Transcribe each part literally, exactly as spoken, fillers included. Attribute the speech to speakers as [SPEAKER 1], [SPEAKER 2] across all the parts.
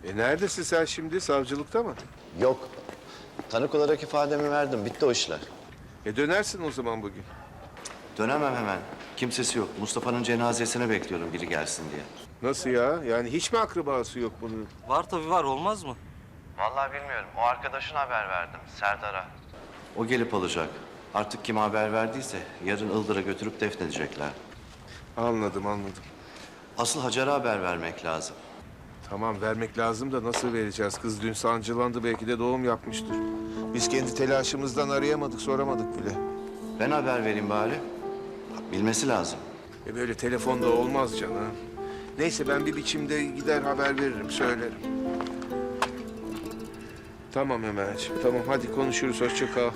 [SPEAKER 1] E neredesin sen şimdi? Savcılıkta mı?
[SPEAKER 2] Yok. Tanık olarak ifademi verdim. Bitti o işler.
[SPEAKER 1] E dönersin o zaman bugün.
[SPEAKER 2] Dönemem hemen. Kimsesi yok. Mustafa'nın cenazesine bekliyorum biri gelsin diye.
[SPEAKER 1] Nasıl ya? Yani hiç mi akrabası yok bunun?
[SPEAKER 3] Var tabii var, olmaz mı?
[SPEAKER 2] Vallahi bilmiyorum. O arkadaşına haber verdim. Serdar'a. O gelip alacak. Artık kime haber verdiyse yarın Ildır'a götürüp defnedecekler.
[SPEAKER 1] Anladım, anladım.
[SPEAKER 2] Asıl Hacer'a haber vermek lazım.
[SPEAKER 1] Tamam, vermek lazım da nasıl vereceğiz? Kız dün sancılandı, belki de doğum yapmıştır. Biz kendi telaşımızdan arayamadık, soramadık bile.
[SPEAKER 2] Ben haber vereyim bari. Bilmesi lazım.
[SPEAKER 1] E böyle telefonda olmaz canım. Neyse ben bir biçimde gider haber veririm, söylerim. Tamam Ömerciğim, tamam hadi konuşuruz, hoşça kal.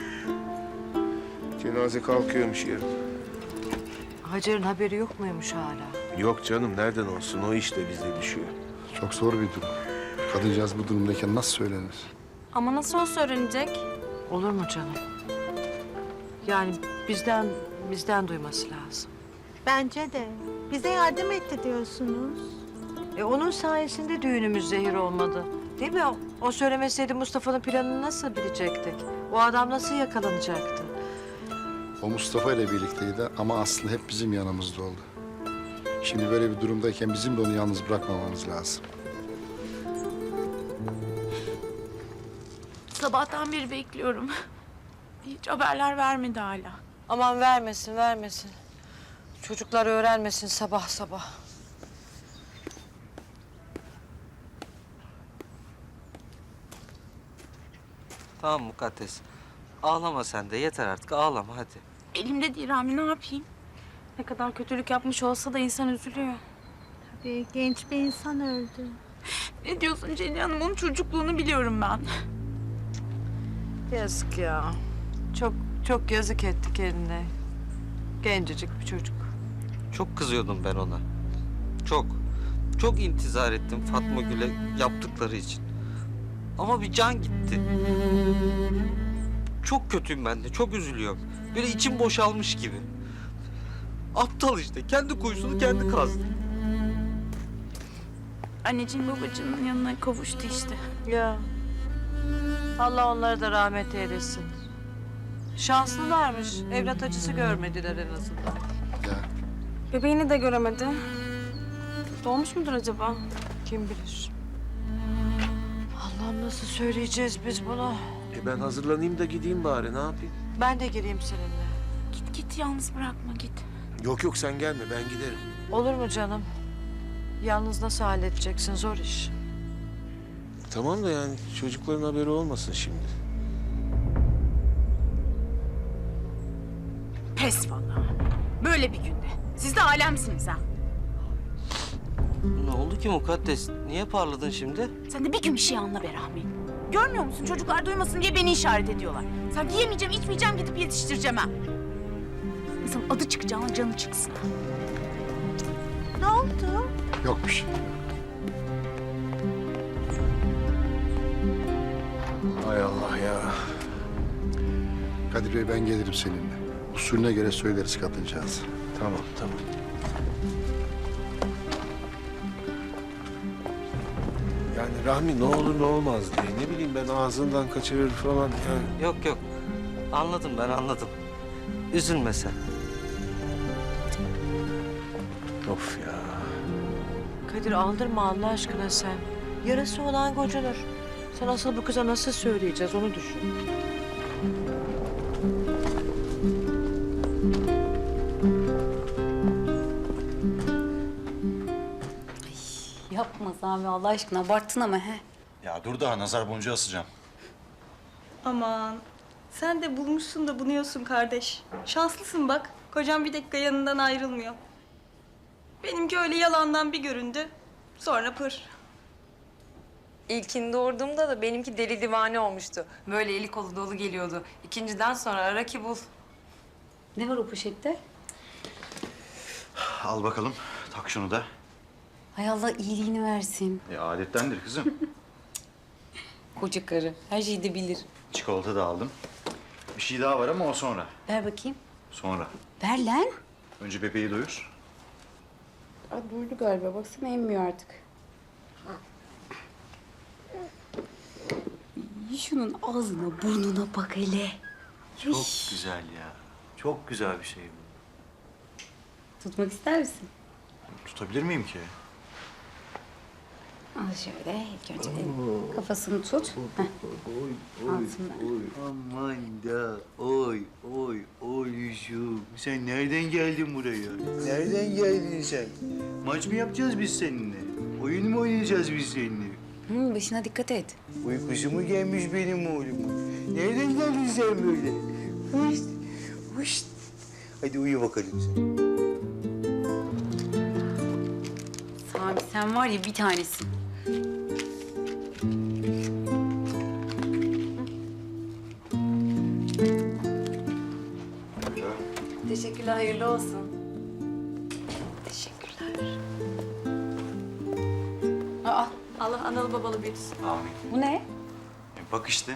[SPEAKER 1] Cenaze kalkıyormuş yarın.
[SPEAKER 4] Hacer'in haberi yok muymuş hala?
[SPEAKER 1] Yok canım, nereden olsun? O iş de bize düşüyor.
[SPEAKER 5] Çok zor bir durum. Kadıncağız bu durumdayken nasıl söylenir?
[SPEAKER 6] Ama nasıl olsa öğrenecek?
[SPEAKER 4] Olur mu canım? Yani bizden bizden duyması lazım.
[SPEAKER 7] Bence de. Bize yardım etti diyorsunuz.
[SPEAKER 4] E onun sayesinde düğünümüz zehir olmadı. Değil mi? O, o söylemeseydi Mustafa'nın planını nasıl bilecektik? O adam nasıl yakalanacaktı?
[SPEAKER 5] O Mustafa ile birlikteydi ama aslında hep bizim yanımızda oldu. Şimdi böyle bir durumdayken bizim de onu yalnız bırakmamamız lazım.
[SPEAKER 6] Sabahtan beri bekliyorum. Hiç haberler vermedi hala.
[SPEAKER 4] Aman vermesin, vermesin. Çocuklar öğrenmesin sabah sabah.
[SPEAKER 3] Tamam Mukaddes. Ağlama sen de, yeter artık, ağlama hadi.
[SPEAKER 6] Elimde değil Rami, ne yapayım? Ne kadar kötülük yapmış olsa da insan üzülüyor.
[SPEAKER 7] Tabii genç bir insan öldü.
[SPEAKER 6] Ne diyorsun Celil Hanım? Onun çocukluğunu biliyorum ben.
[SPEAKER 4] Yazık ya. Çok çok yazık ettik eline. Gencecik bir çocuk.
[SPEAKER 3] Çok kızıyordum ben ona. Çok. Çok intizar ettim Fatma Gül'e yaptıkları için. Ama bir can gitti. Çok kötüyüm ben de, çok üzülüyorum. Böyle içim boşalmış gibi. Aptal işte, kendi kuyusunu kendi kazdı.
[SPEAKER 6] Anneciğin babacığının yanına kavuştu işte.
[SPEAKER 4] Ya. Allah onları da rahmet eylesin. Şanslılarmış. Evlat acısı görmediler en azından.
[SPEAKER 5] Ya
[SPEAKER 6] Bebeğini de göremedi. Doğmuş mudur acaba?
[SPEAKER 4] Kim bilir? Allah'ım nasıl söyleyeceğiz biz bunu?
[SPEAKER 1] E ben hazırlanayım da gideyim bari, ne yapayım?
[SPEAKER 4] Ben de geleyim seninle.
[SPEAKER 6] Git git, yalnız bırakma, git.
[SPEAKER 1] Yok yok, sen gelme, ben giderim.
[SPEAKER 4] Olur mu canım? Yalnız nasıl halledeceksin? Zor iş.
[SPEAKER 1] Tamam da yani çocukların haberi olmasın şimdi.
[SPEAKER 6] Pes vallahi. Böyle bir günde. Siz de alemsiniz ha.
[SPEAKER 3] Ne oldu ki Mukaddes? Niye parladın şimdi?
[SPEAKER 6] Sen de bir gün bir şey anla be Rahmi. Görmüyor musun? Çocuklar duymasın diye beni işaret ediyorlar. Sanki yemeyeceğim, içmeyeceğim, gidip yetiştireceğim ha. İnsanın adı çıkacağına canı çıksın.
[SPEAKER 7] Ne oldu?
[SPEAKER 5] yok bir şey.
[SPEAKER 1] Hay Allah ya.
[SPEAKER 5] Kadir Bey ben gelirim seninle. Usulüne göre söyleriz kadıncağız.
[SPEAKER 1] Tamam, tamam. Yani Rahmi ne olur ne olmaz diye. Ne bileyim ben, ağzından kaçırır falan yani.
[SPEAKER 3] Yok yok. Anladım, ben anladım. Üzülme sen.
[SPEAKER 1] Of ya.
[SPEAKER 4] Kadir aldırma Allah aşkına sen. Yarası olan gocunur. Sen asıl bu kıza nasıl söyleyeceğiz onu düşün.
[SPEAKER 8] Yapma Sami Allah aşkına, abarttın ama he.
[SPEAKER 9] Ya dur daha nazar boncuğu asacağım.
[SPEAKER 10] Aman sen de bulmuşsun da bunuyorsun kardeş. Şanslısın bak. Kocam bir dakika yanından ayrılmıyor. Benimki öyle yalandan bir göründü. Sonra pır.
[SPEAKER 8] İlkini doğurduğumda da benimki deli divane olmuştu. Böyle eli kolu dolu geliyordu. İkinciden sonra ara ki bul. Ne var o poşette?
[SPEAKER 9] Al bakalım, tak şunu da.
[SPEAKER 8] Hay Allah iyiliğini versin.
[SPEAKER 9] E adettendir kızım.
[SPEAKER 8] Koca karı her şeyi de bilir.
[SPEAKER 9] Çikolata da aldım. Bir şey daha var ama o sonra.
[SPEAKER 8] Ver bakayım.
[SPEAKER 9] Sonra.
[SPEAKER 8] Ver lan.
[SPEAKER 9] Önce bebeği doyur.
[SPEAKER 8] Aa, duydu galiba. Baksana emmiyor artık.
[SPEAKER 6] Şunun ağzına burnuna bak hele.
[SPEAKER 9] Çok güzel ya. Çok güzel bir şey bu.
[SPEAKER 6] Tutmak ister misin?
[SPEAKER 9] Tutabilir miyim ki?
[SPEAKER 6] Al şöyle ilk önce de kafasını tut. Heh. Altından.
[SPEAKER 9] Aman da oy oy oyluşum. Sen nereden geldin buraya? Nereden geldin sen? Maç mı yapacağız biz seninle? Oyun mu oynayacağız biz seninle?
[SPEAKER 6] Hı, başına dikkat et.
[SPEAKER 9] Uykusu mu gelmiş benim oğlumun? Nereden geldin sen böyle? Hış, hış. Hadi uyu bakalım sen.
[SPEAKER 6] Sami sen var ya bir tanesin. Teşekkürler, hayırlı olsun. Teşekkürler. Aa, Allah analı babalı büyütsün.
[SPEAKER 9] Amin.
[SPEAKER 6] Bu ne?
[SPEAKER 9] E, bak işte.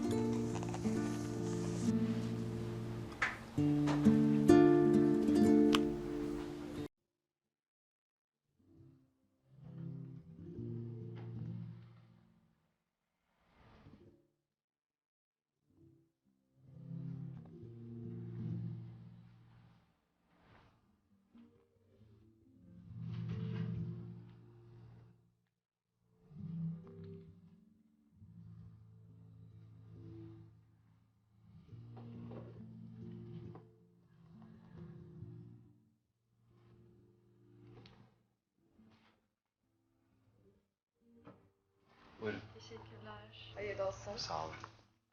[SPEAKER 9] Buyurun. Teşekkürler. Hayırlı olsun. Sağ olun.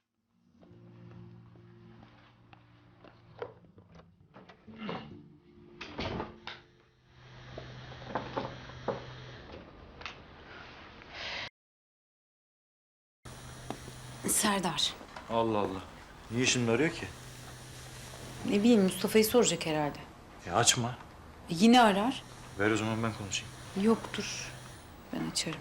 [SPEAKER 6] Serdar.
[SPEAKER 9] Allah Allah. Niye şimdi arıyor ki?
[SPEAKER 6] Ne bileyim Mustafa'yı soracak herhalde.
[SPEAKER 9] Ya açma.
[SPEAKER 6] E, yine arar.
[SPEAKER 9] Ver o zaman ben konuşayım.
[SPEAKER 6] Yoktur. Ben açarım.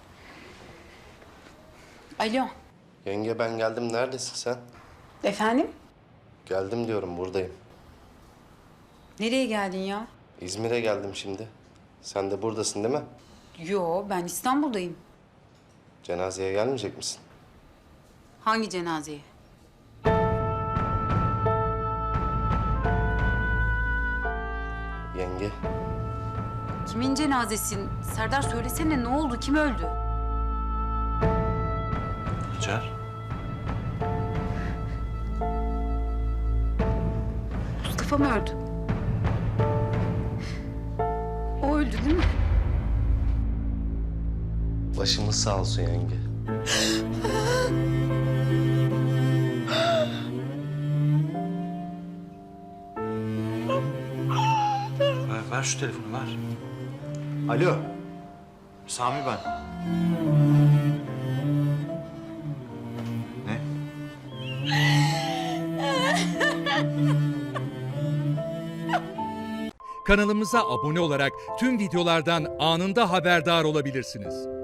[SPEAKER 6] Alo.
[SPEAKER 2] Yenge ben geldim. Neredesin sen?
[SPEAKER 6] Efendim?
[SPEAKER 2] Geldim diyorum, buradayım.
[SPEAKER 6] Nereye geldin ya?
[SPEAKER 2] İzmir'e geldim şimdi. Sen de buradasın değil mi?
[SPEAKER 6] Yo ben İstanbul'dayım.
[SPEAKER 2] Cenazeye gelmeyecek misin?
[SPEAKER 6] Hangi cenazeye?
[SPEAKER 2] Yenge,
[SPEAKER 6] Kimin cenazesin? Serdar söylesene ne oldu? Kim öldü?
[SPEAKER 9] Hacer.
[SPEAKER 6] Mustafa mı öldü? O öldü değil mi?
[SPEAKER 2] başımız sağ olsun yenge.
[SPEAKER 9] Ver, ver şu telefonu ver. Alo. Sami ben. Ne?
[SPEAKER 11] Kanalımıza abone olarak tüm videolardan anında haberdar olabilirsiniz.